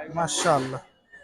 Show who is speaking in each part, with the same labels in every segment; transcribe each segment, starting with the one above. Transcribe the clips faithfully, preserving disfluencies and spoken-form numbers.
Speaker 1: মাশাআল্লাহ।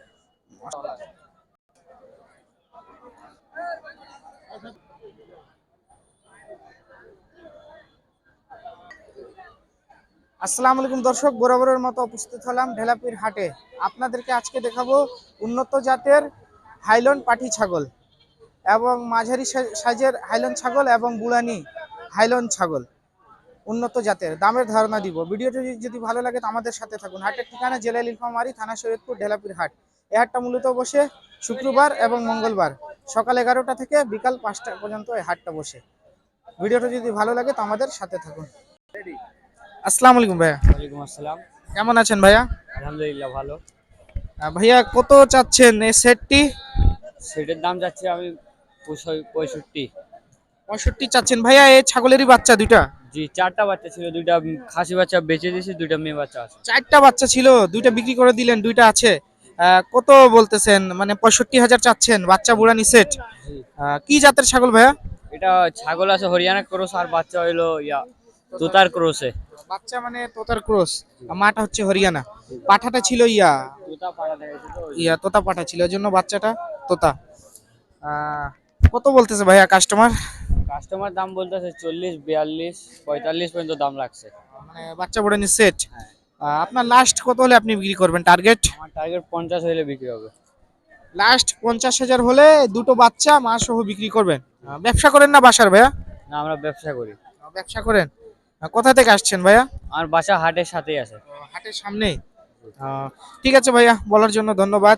Speaker 1: আসসালামু আলাইকুম দর্শক, বরাবরের মতো উপস্থিত হলাম ঢেলাপির হাটে। আপনাদেরকে আজকে দেখাবো উন্নত জাতের হাইলন পাঠি ছাগল এবং মাঝারি সাইজের হাইলন ছাগল এবং বুড়ানি হাইলন ছাগল উন্নত জাতের দামের ধারণা দিব। ভিডিওটি যদি ভালো লাগে তো আমাদের সাথে থাকুন। হাটের ঠিকানা জেলা নীলফামারী, থানা শরীয়তপুর, ঢেলাপির হাট। এই হাটটা মূলত বসে শুক্রবার এবং মঙ্গলবার সকাল এগারোটা থেকে বিকাল পাঁচটা পর্যন্ত এই হাটটা বসে। ভিডিওটা যদি ভালো লাগে তো আমাদের সাথে থাকুন। আসসালামু আলাইকুম ভাইয়া।
Speaker 2: ওয়ালাইকুম আসসালাম।
Speaker 1: কেমন আছেন ভাইয়া?
Speaker 2: আলহামদুলিল্লাহ ভালো।
Speaker 1: আহ, ভাইয়া কত চাচ্ছেন এই সেটটি?
Speaker 2: সেটার দাম যাচ্ছে আমি পঁয়ষট্টি।
Speaker 1: পঁয়ষট্টি চাচ্ছেন ভাইয়া? এই ছাগলেরই বাচ্চা দুইটা?
Speaker 2: জি, চারটা বাচ্চা ছিল, দুইটা খাসি বাচ্চা বেঁচে দিয়েছি, দুইটা মেয়ে বাচ্চা আছে।
Speaker 1: চারটা বাচ্চা ছিল, দুইটা বিক্রি করে দিলেন, দুইটা আছে। আহ, কত বলতেছেন? মানে পঁয়ষট্টি হাজার চাচ্ছেন বাচ্চা বুড়ানি সেট।
Speaker 2: জি,
Speaker 1: কি জাতের ছাগল ভাইয়া?
Speaker 2: এটা ছাগল আছে হরিয়ানা ক্রস, আর বাচ্চা হইলো ইয়া তোতার ক্রসে।
Speaker 1: বাচ্চা মানে তোতার ক্রস, মাটা হচ্ছে হরিয়ানা। পাঠাটা ছিল ইয়া
Speaker 2: তোতা পাড়া দেখেছে তো।
Speaker 1: ইয়া তোতা পাঠা ছিল, এর জন্য বাচ্চাটা তোতা। আহ, কত বলতেছে ভাইয়া কাস্টমার?
Speaker 2: কাস্টমার দাম বলতেছে চল্লিশ, বিয়াল্লিশ, পঁয়তাল্লিশ পর্যন্ত দাম লাগছে।
Speaker 1: মানে বাচ্চা বুড়ানি সেট।
Speaker 2: হ্যাঁ,
Speaker 1: আপনার লাস্ট কত হলে আপনি বিক্রি করবেন টার্গেট?
Speaker 2: আমার টার্গেট পঞ্চাশ হইলে বিক্রি হবে।
Speaker 1: লাস্ট পঞ্চাশ হাজার হলে দুটো বাচ্চা মা সহ বিক্রি করবেন। আহ, ব্যবসা করেন না বাসার ভাইয়া?
Speaker 2: না, আমরা ব্যবসা করি।
Speaker 1: আহ, ব্যবসা করেন। আহ, কোথা থেকে আসছেন ভাইয়া?
Speaker 2: আমার বাসা হাটের সাথেই আছে।
Speaker 1: হাটের সামনে। আহ, ঠিক আছে ভাইয়া, বলার জন্য ধন্যবাদ।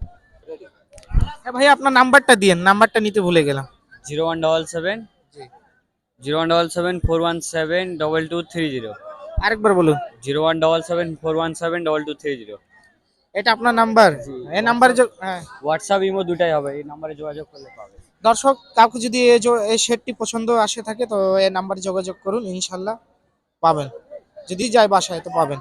Speaker 1: হ্যাঁ ভাইয়া, আপনার নাম্বারটা দিয়েন, নাম্বারটা নিতে ভুলে গেলাম।
Speaker 2: Zero one double seven zero one double seven four one seven double two three zero.
Speaker 1: আরেকবার বলুন।
Speaker 2: Zero one double seven four one seven double two three zero.
Speaker 1: এটা আপনার নাম্বার? এই নাম্বারে যোগ- হ্যাঁ।
Speaker 2: হোয়াটসঅ্যাপ ইমো দুটাই হবে, এই নাম্বারে যোগাযোগ করলে পাবে।
Speaker 1: দর্শক কাউকে যদি এই যে- এই শেডটি পছন্দ আসে থাকে তো এই নাম্বারে যোগাযোগ করুন, ইনশাল্লাহ পাবেন। যদি যায় বাসায় তো পাবেন।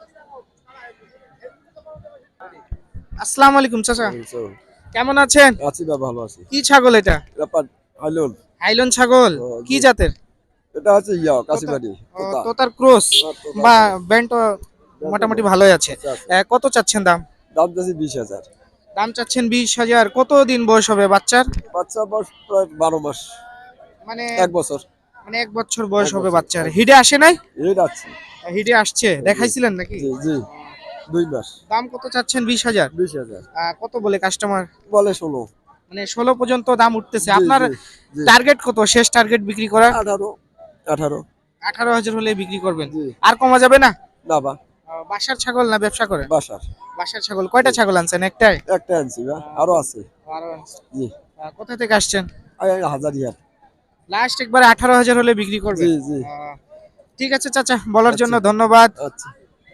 Speaker 1: আসসালামু আলাইকুম চাচা, কেমন আছেন?
Speaker 3: আছি বা ভালো আছি।
Speaker 1: কি ছাগল এটা?
Speaker 3: ব্যাপার হাইলন,
Speaker 1: হাইলন ছাগল?
Speaker 3: ও,
Speaker 1: কি
Speaker 3: জি।
Speaker 1: জাতের?
Speaker 3: এটা আছে ইয়া কাশিবাড়ি
Speaker 1: ও,
Speaker 3: তোতা।
Speaker 1: তোতার ক্রস
Speaker 3: আর তোতা
Speaker 1: বা
Speaker 3: আছে।
Speaker 1: ব্যান্ড মোটামুটি ভালোই আছে।
Speaker 3: আচ্ছা, আচ্ছা।
Speaker 1: আহ, কত চাচ্ছেন দাম?
Speaker 3: দাম চাচ্ছি বিশ হাজার।
Speaker 1: দাম চাচ্ছেন বিশ হাজার। কত দিন বয়স হবে বাচ্চার?
Speaker 3: বাচ্চা বয়স প্রায় বারো মাস,
Speaker 1: মানে
Speaker 3: এক বছর।
Speaker 1: মানে এক বছর বয়স
Speaker 3: এক
Speaker 1: হবে
Speaker 3: বছর,
Speaker 1: বাচ্চার।
Speaker 3: এক বছর।
Speaker 1: হিডে আসে নাই?
Speaker 3: এই যাচ্ছে।
Speaker 1: হিডে আসছে, দেখাইছিলেন নাকি?
Speaker 3: জি জি, দুই মাস।
Speaker 1: দাম কত চাচ্ছেন? বিশ হাজার।
Speaker 3: বিশ হাজার
Speaker 1: কত বলে কাস্টমার?
Speaker 3: বলে ষোলো।
Speaker 1: মানে ষোলো পর্যন্ত দাম উঠতেছে।
Speaker 3: জি
Speaker 1: আপনার
Speaker 3: জি জি।
Speaker 1: টার্গেট কত? শেষ টার্গেট বিক্রি করা?
Speaker 3: আঠারো, আঠারো।
Speaker 1: আঠারো হাজার হলে বিক্রি করবেন?
Speaker 3: জি।
Speaker 1: আর কমা যাবে না?
Speaker 3: না বা,
Speaker 1: আহ, বাসার ছাগল না ব্যবসা করেন?
Speaker 3: বাসার।
Speaker 1: বাসার ছাগল। কয়টা ছাগল আনছেন? একটাই?
Speaker 3: একটা আনছি বা, আরো আছে।
Speaker 1: আরো আনছেন।
Speaker 3: জি।
Speaker 1: আহ, কোথা থেকে আসছেন?
Speaker 3: আই হাজার ইয়ার।
Speaker 1: লাস্ট একবারে আঠারো হাজার হলে বিক্রি করবেন?
Speaker 3: জি জি।
Speaker 1: আহ, ঠিক আছে চাচা, বলার জন্য
Speaker 3: আচ্ছা।
Speaker 1: ধন্যবাদ।
Speaker 3: আচ্ছা।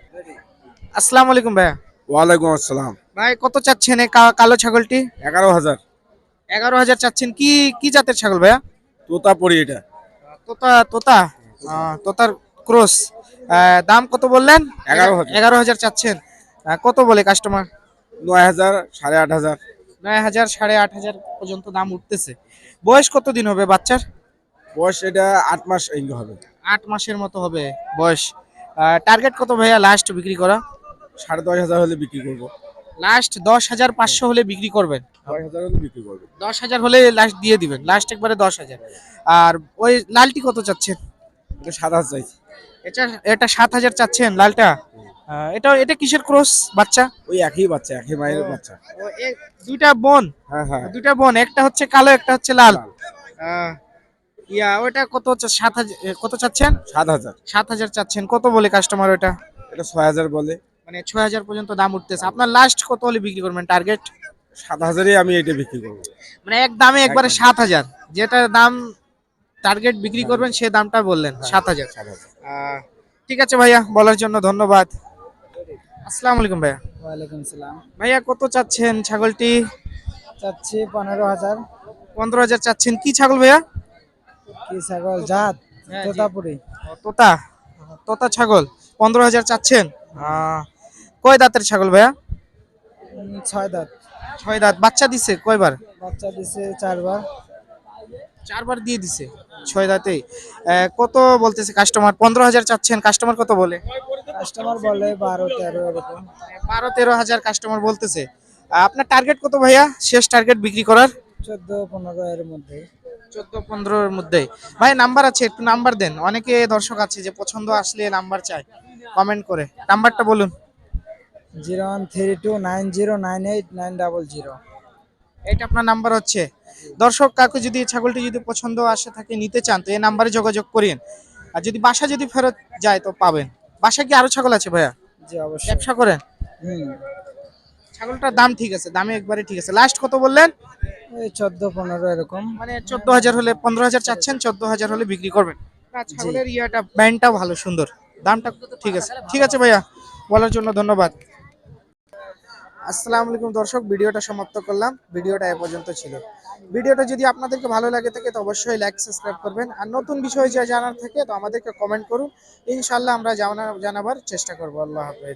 Speaker 1: আসসালামু আলাইকুম ভাইয়া।
Speaker 3: ওয়ালাইকুম আসসালাম।
Speaker 1: ভাই কত চাচ্ছেন এই কা- কালো ছাগলটি?
Speaker 3: এগারো হাজার।
Speaker 1: এগারো হাজার চাচ্ছেন। কি কি জাতের ছাগল ভাইয়া?
Speaker 3: তোতা পড়ি এটা।
Speaker 1: তোতা তোতা আহ, তোতার ক্রস। দাম কত বললেন?
Speaker 3: এগারো হাজার।
Speaker 1: এগারো হাজার চাচ্ছেন। আহ, কত বলে কাস্টমার?
Speaker 3: নয় হাজার, সাড়ে আট হাজার।
Speaker 1: নয় হাজার, সাড়ে আট হাজার পর্যন্ত দাম উঠতেছে। বয়স কত দিন হবে বাচ্চার?
Speaker 3: বয়স এটা আট মাস এই হবে।
Speaker 1: আট মাসের মতো হবে বয়স। টার্গেট কত ভাইয়া লাস্ট বিক্রি করা?
Speaker 3: সাড়ে দশ হাজার হলে বিক্রি করবো।
Speaker 1: লাস্ট দশ হাজার পাঁচশো হলে বিক্রি করবেন?
Speaker 3: দশ হাজার হলে বিক্রি করবো।
Speaker 1: দশ হাজার হলে লাস্ট দিয়ে দিবেন, লাস্ট একবারে দশ হাজার। আর ওই লালটি কত চাচ্ছেন?
Speaker 3: এটা সাত হাজার চাইছি।
Speaker 1: এটা এটা সাত হাজার চাচ্ছেন লালটা? আহ, এটা এটা কিসের ক্রস বাচ্চা?
Speaker 3: ওই একই বাচ্চা, একই মায়ের বাচ্চা।
Speaker 1: ও, এ- দুইটা বোন?
Speaker 3: হ্যাঁ হ্যাঁ।
Speaker 1: দুইটা বোন, একটা হচ্ছে কালো একটা হচ্ছে লাল।
Speaker 3: লাল।
Speaker 1: আহ, ইয়া ওটা কত হচ্ছে? সাত হাজার কত চাচ্ছেন?
Speaker 3: সাত হাজার।
Speaker 1: সাত হাজার চাচ্ছেন। কত বলে কাস্টমার ওটা?
Speaker 3: এটা ছয় হাজার বলে।
Speaker 1: মানে ছয় হাজার পর্যন্ত দাম উঠতেছে। আপনার লাস্ট কত হলে বিক্রি করবেন টার্গেট?
Speaker 3: সাত হাজারই আমি এটা বিক্রি করবো।
Speaker 1: মানে এক দামে একবারে
Speaker 3: একদম।
Speaker 1: সাত হাজার, যেটা দাম টার্গেট বিক্রি করবেন সে দামটা বললেন সাত হাজার।
Speaker 3: সাত হাজার।
Speaker 1: আহ, ঠিক আছে ভাইয়া, বলার জন্য ধন্যবাদ। আসসালামু আলাইকুম ভাইয়া।
Speaker 4: ওয়ালাইকুম সালাম।
Speaker 1: ভাইয়া কত চাচ্ছেন ছাগলটি?
Speaker 4: চাচ্ছি পনেরো হাজার।
Speaker 1: পনেরো হাজার চাচ্ছেন। কি ছাগল ভাইয়া?
Speaker 4: কি ছাগল জাত?
Speaker 1: হ্যাঁ, জি।
Speaker 4: তোতাপুরি।
Speaker 1: ও, তোতা তোতা ছাগল। পনেরো হাজার চাচ্ছেন। আহ, কয় দাঁতের ছাগল ভাইয়া?
Speaker 4: উম, ছয় দাঁত।
Speaker 1: ছয় দাঁত। বাচ্চা দিছে কয়বার?
Speaker 4: বাচ্চা দিছে চারবার।
Speaker 1: চারবার দিয়ে দিছে ছয় দাঁতেই। আহ, কত বলতেছে কাস্টমার? পনেরো হাজার চাচ্ছেন, কাস্টমার কত বলে?
Speaker 4: কাস্টমার বলে বারো তেরো এরকম।
Speaker 1: বারো তেরো হাজার কাস্টমার বলতেছে। আহ, আপনার টার্গেট কত ভাইয়া, শেষ টার্গেট বিক্রি করার?
Speaker 4: চোদ্দ পনেরো এর মধ্যে।
Speaker 1: চোদ্দ পনেরোর মধ্যে। ভাই নাম্বার আছে, একটু নাম্বার দেন, অনেকে দর্শক আছে যে পছন্দ আসলে নাম্বার চায় কমেন্ট করে, নাম্বারটা বলুন।
Speaker 4: Zero one three two nine zero nine eight nine double zero.
Speaker 1: এটা আপনার নাম্বার হচ্ছে। দর্শক কাকু যদি এই ছাগলটি যদি পছন্দ আসে থাকে নিতে চান তো এই নাম্বারে যোগাযোগ করেন। আর যদি বাসা যদি ফেরত যায় তো পাবেন। বাসা কি আরো ছাগল আছে ভাইয়া?
Speaker 4: জি অবশ্যই।
Speaker 1: ব্যবসা করেন?
Speaker 4: হুম।
Speaker 1: ছাগলটার দাম ঠিক আছে, দামে একবারে ঠিক আছে। লাস্ট কত বললেন?
Speaker 4: ওই চোদ্দ পনেরো এরকম।
Speaker 1: মানে চোদ্দ হাজার হলে, পনেরো হাজার চাচ্ছেন, চোদ্দ হাজার হলে বিক্রি করবেন। আর ছাগলের ইয়াটা ব্যান্ডটাও ভালো সুন্দর, দামটা ঠিক আছে। ঠিক আছে ভাইয়া, বলার জন্য ধন্যবাদ। আসসালামু আলাইকুম দর্শক, ভিডিওটা সমাপ্ত করলাম। ভিডিওটা এ পর্যন্ত ছিল। ভিডিওটা যদি আপনাদেরকে ভালো লাগে থাকে তো অবশ্যই লাইক সাবস্ক্রাইব করবেন। আর নতুন বিষয় যা জানার থাকে তো আমাদেরকে কমেন্ট করুন, ইনশাল্লাহ আমরা জানা জানাবার চেষ্টা করবো। আল্লাহ হাফেজ।